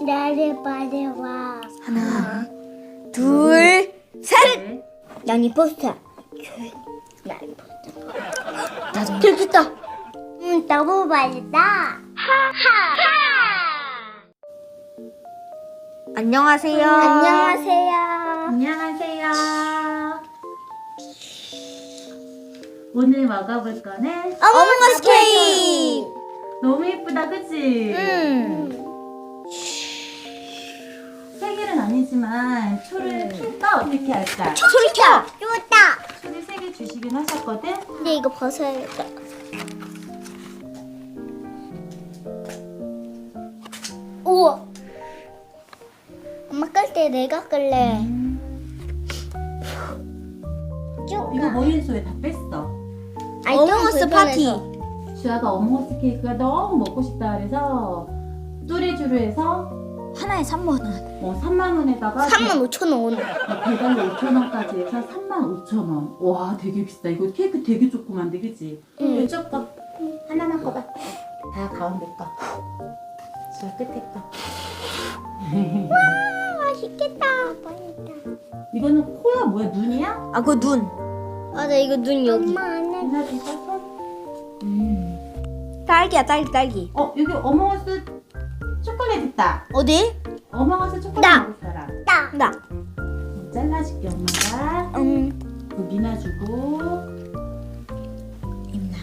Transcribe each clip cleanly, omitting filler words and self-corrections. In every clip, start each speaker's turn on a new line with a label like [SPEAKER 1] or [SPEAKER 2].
[SPEAKER 1] 나를 받아와.
[SPEAKER 2] 하나, 둘, 셋.
[SPEAKER 1] 난 이 포스터. 난 이 포스터.
[SPEAKER 2] 나도.
[SPEAKER 1] 됐다. 너무 맛있다. 하하하.
[SPEAKER 2] 안녕하세요.
[SPEAKER 1] 안녕하세요.
[SPEAKER 3] 안녕하세요. 오늘 먹어볼 거는
[SPEAKER 2] 어몽어스 케이크.
[SPEAKER 3] 너무 예쁘다, 그치? 세 개는 아니지만 초를 킬까 어떻게 할까?
[SPEAKER 2] 소리 켜.
[SPEAKER 1] 좋다.
[SPEAKER 3] 초를 세 개 주시긴 하셨거든?
[SPEAKER 1] 근데 이거 벗어야겠다. 우와. 엄마 끌 때 내가 끌래.
[SPEAKER 3] 이거 머리에서 왜 다 뺐어?
[SPEAKER 2] 어몽어스 파티.
[SPEAKER 3] 주아가 어몽어스 케이크가 너무 먹고 싶다 그래서 뚜레쥬르 해서
[SPEAKER 2] 하나에 3만 원.
[SPEAKER 3] 3만 원에다가
[SPEAKER 1] 35,000원.
[SPEAKER 3] 배달료 5,000원까지 해서 35,000원. 와, 되게 비싸. 이거 케이크 되게 조그만데, 그치? 이쪽 거 하나만 꺼봐. 다 가운데 거. 저 끝에 거.
[SPEAKER 1] 맛있겠다.
[SPEAKER 3] 이거는 코야 뭐야? 눈이야?
[SPEAKER 2] 아, 그거 눈.
[SPEAKER 1] 아, 나 이거 눈 여기. 엄마 안 해.
[SPEAKER 3] 누나 진짜 손?
[SPEAKER 2] 딸기야, 딸기.
[SPEAKER 3] 여기 어몽어스 초콜릿 있다.
[SPEAKER 2] 어디?
[SPEAKER 3] 어몽어스 초콜릿
[SPEAKER 1] 나.
[SPEAKER 3] 먹을 사람.
[SPEAKER 2] 나.
[SPEAKER 3] 잘라줄게, 엄마가. 그 미나 주고.
[SPEAKER 2] 임나.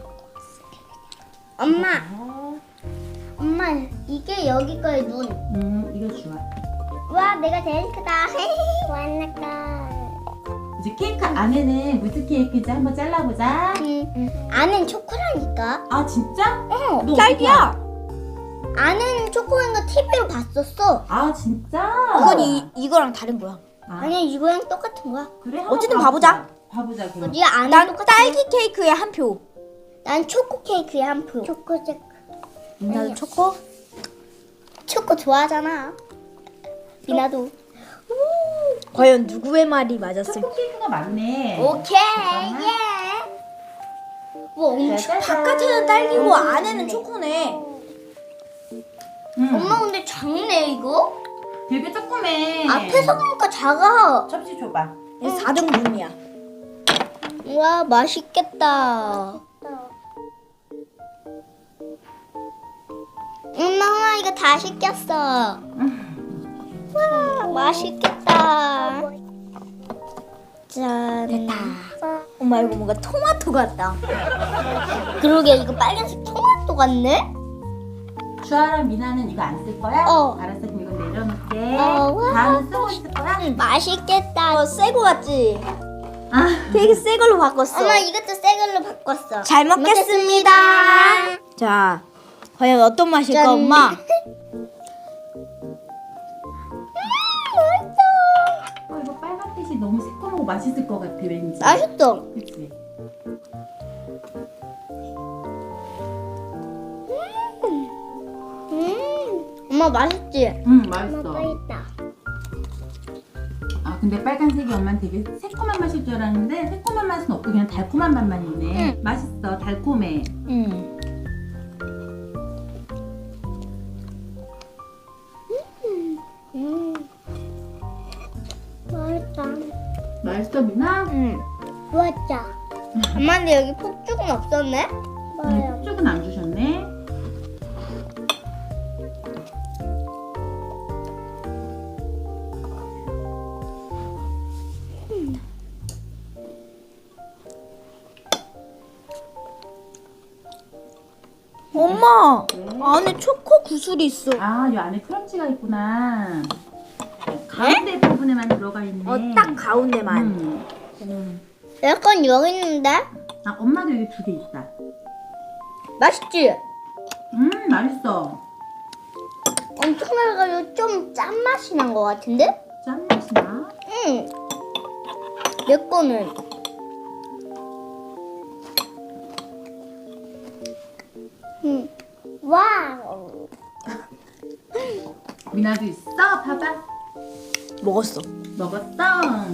[SPEAKER 1] 엄마, 이게 여기 거의 눈.
[SPEAKER 3] 이거 주아.
[SPEAKER 1] 와, 내가 제일 크다. 완나까.
[SPEAKER 3] 이제 케이크 안에는 무슨 케이크인지 한번 잘라보자.
[SPEAKER 1] 안은 초코라니까.
[SPEAKER 3] 아, 진짜? 너
[SPEAKER 2] 딸기야.
[SPEAKER 1] 안은 초코인 거 TV로 봤었어.
[SPEAKER 3] 아, 진짜?
[SPEAKER 2] 이건 이거랑 다른 거야.
[SPEAKER 1] 아니야, 이거랑 똑같은 거야.
[SPEAKER 3] 그래? 한번
[SPEAKER 2] 어쨌든 봐보자.
[SPEAKER 3] 봐보자, 그럼.
[SPEAKER 1] 어디 안은
[SPEAKER 2] 난
[SPEAKER 1] 똑같아.
[SPEAKER 2] 딸기 케이크에 한 표.
[SPEAKER 1] 난 초코 케이크에 한 표. 초코색.
[SPEAKER 2] 나도 초코.
[SPEAKER 1] 초코 좋아하잖아. 미나도.
[SPEAKER 2] 과연 누구의 말이 맞았을까?
[SPEAKER 3] 초코 케이크가 많네.
[SPEAKER 1] 오케이. 예. 뭐 엄청.
[SPEAKER 2] 바깥에는 딸기고 안에는 초코네.
[SPEAKER 1] 엄마 근데 작네 이거?
[SPEAKER 3] 되게 조그매.
[SPEAKER 1] 앞에서 보니까 작아.
[SPEAKER 3] 접시 줘봐.
[SPEAKER 2] 4등분이야.
[SPEAKER 1] 와 맛있겠다. 엄마 이거 다 시켰어. 와 맛있겠다. 짠.
[SPEAKER 2] 됐다. 엄마 이거 뭔가 토마토 같다.
[SPEAKER 1] 그러게 이거 빨간색 토마토 같네?
[SPEAKER 3] 주아랑 미나는 이거 안 쓸 거야?
[SPEAKER 1] 어.
[SPEAKER 3] 알았어, 그럼 이거 내려놓을게.
[SPEAKER 1] 와.
[SPEAKER 3] 다음은 쓰고 있을 거야?
[SPEAKER 1] 맛있겠다.
[SPEAKER 2] 새거 같지?
[SPEAKER 3] 아,
[SPEAKER 2] 되게 새 걸로 바꿨어.
[SPEAKER 1] 엄마 이것도 새 걸로 바꿨어.
[SPEAKER 2] 잘 먹겠습니다. 자, 과연 어떤 맛일까,
[SPEAKER 1] 짠.
[SPEAKER 2] 엄마?
[SPEAKER 3] 이거 빨간빛이 너무 새콤하고 맛있을 것 같아, 왠지.
[SPEAKER 1] 맛있어.
[SPEAKER 3] 그치?
[SPEAKER 1] 엄마 맛있지?
[SPEAKER 3] 맛있어.
[SPEAKER 1] 맛있다.
[SPEAKER 3] 아, 근데 빨간색이 엄마는 되게 새콤한 맛일 줄 알았는데 새콤한 맛은 없고 그냥 달콤한 맛만 있네. 맛있어, 달콤해.
[SPEAKER 1] 맛있다.
[SPEAKER 3] 맛있어, 미나?
[SPEAKER 1] 좋았다. 엄마 근데 여기 폭죽은 없었네?
[SPEAKER 3] 쪽은 안 주셨네.
[SPEAKER 2] 엄마, 안에 초코 구슬이 있어.
[SPEAKER 3] 아, 이 안에 크런치가 있구나. 가운데 부분에만 들어가 있네.
[SPEAKER 2] 딱 가운데만.
[SPEAKER 1] 약간 여기 있는데?
[SPEAKER 3] 아, 엄마도 여기 2개 있다.
[SPEAKER 1] 맛있지?
[SPEAKER 3] 맛있어.
[SPEAKER 1] 엄청 나가지고 좀 짠맛이 난 것 같은데?
[SPEAKER 3] 짠맛이 나?
[SPEAKER 1] 응. 내 거는. 와우.
[SPEAKER 3] 미나도 있어? 봐봐.
[SPEAKER 2] 먹었어.
[SPEAKER 3] 먹었어.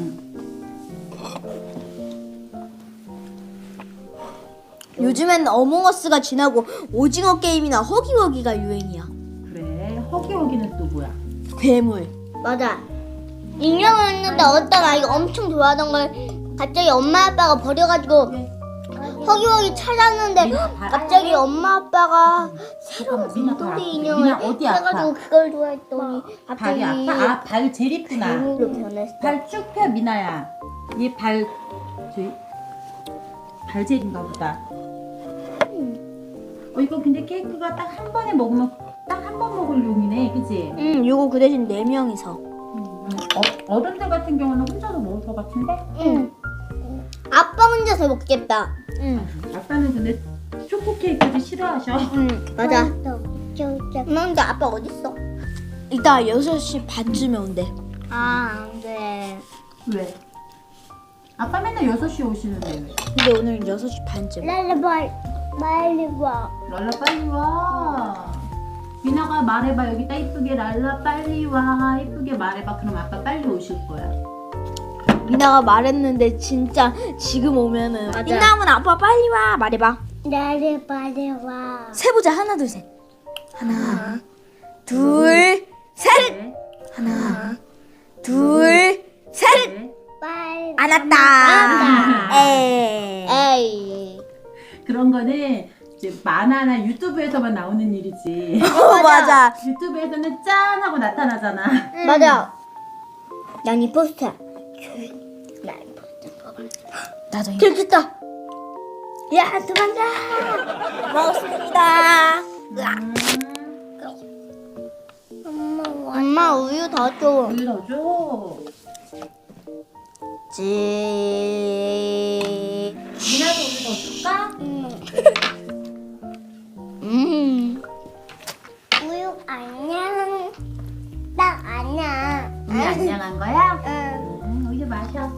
[SPEAKER 2] 요즘엔 어몽어스가 지나고 오징어 게임이나 허기허기가 유행이야.
[SPEAKER 3] 그래, 허기 여기는 또 뭐야?
[SPEAKER 2] 괴물.
[SPEAKER 1] 맞아. 인형을 했는데 어떤 아이가 엄청 좋아하던 걸 갑자기 엄마 아빠가 버려가지고 허기허기 찾았는데 갑자기 엄마 아빠가 새로운
[SPEAKER 3] 잠깐만, 미나 발
[SPEAKER 1] 곰돌이
[SPEAKER 3] 아프대.
[SPEAKER 1] 인형을
[SPEAKER 3] 미나 어디 아파?
[SPEAKER 1] 해가지고 그걸 좋아했더니
[SPEAKER 3] 발이
[SPEAKER 1] 갑자기
[SPEAKER 3] 아파? 아, 발 제일 이쁘나?
[SPEAKER 1] 괴물로 변했어.
[SPEAKER 3] 발 쭉 펴, 미나야. 얘 발, 저기, 발젤인가 보다. 이거 근데 케이크가 딱 한 번에 먹으면 딱 한 번 먹을 용이네, 그치?
[SPEAKER 2] 요거 그 대신 4명이서.
[SPEAKER 3] 어른들 같은 경우는 혼자서 먹을 것 같은데?
[SPEAKER 1] 응. 아빠 혼자서 먹겠다.
[SPEAKER 3] 아빠는 근데 초코 케이크도 싫어하셔.
[SPEAKER 1] 맞아. 근데 아빠 어딨어?
[SPEAKER 2] 이따 6시 반쯤에 온대.
[SPEAKER 1] 아, 안 돼.
[SPEAKER 3] 왜? 아빠 맨날 6시에 오시는데 왜?
[SPEAKER 2] 근데 오늘은 6시 반쯤.
[SPEAKER 1] 랄라 빨리 와.
[SPEAKER 3] 랄라 빨리 와. 미나가 말해봐. 여기다 이쁘게 랄라 빨리 와. 이쁘게 말해봐. 그럼 아빠 빨리 오실 거야.
[SPEAKER 2] 미나가 말했는데 진짜 지금 오면은
[SPEAKER 1] 맞아.
[SPEAKER 2] 민나오면 아빠 빨리 와 말해봐.
[SPEAKER 1] 랄라 빨리 와.
[SPEAKER 2] 세보자. 하나 둘 셋. 하나 둘 셋.
[SPEAKER 3] 네.
[SPEAKER 2] 하나 둘 셋.
[SPEAKER 3] 네.
[SPEAKER 1] 빨리.
[SPEAKER 2] 안 왔다.
[SPEAKER 1] 왔다.
[SPEAKER 2] 에이.
[SPEAKER 3] 그런 거는 이제 만화나 유튜브에서만 나오는 일이지.
[SPEAKER 2] 맞아.
[SPEAKER 3] 유튜브에서는 짠 하고 나타나잖아.
[SPEAKER 1] 맞아. 난 이 포스터.
[SPEAKER 2] 나도 이거.
[SPEAKER 1] 들켰다. 야, 도망가.
[SPEAKER 2] 먹었습니다.
[SPEAKER 1] 엄마 우유 더 줘.
[SPEAKER 3] 우유 더 줘.
[SPEAKER 2] 지.
[SPEAKER 3] 미나도 우유 더 줄까?
[SPEAKER 1] 우유 안녕. 딱 안녕.
[SPEAKER 3] 우유 안녕한 거야?
[SPEAKER 1] 응.
[SPEAKER 3] 우유 마셔.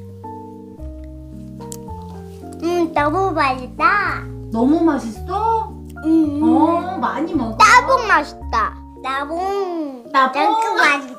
[SPEAKER 1] 너무 맛있다.
[SPEAKER 3] 너무 맛있어? 많이 먹어.
[SPEAKER 1] 따봉 맛있다. 따봉.
[SPEAKER 3] 따봉?
[SPEAKER 1] 맛있다.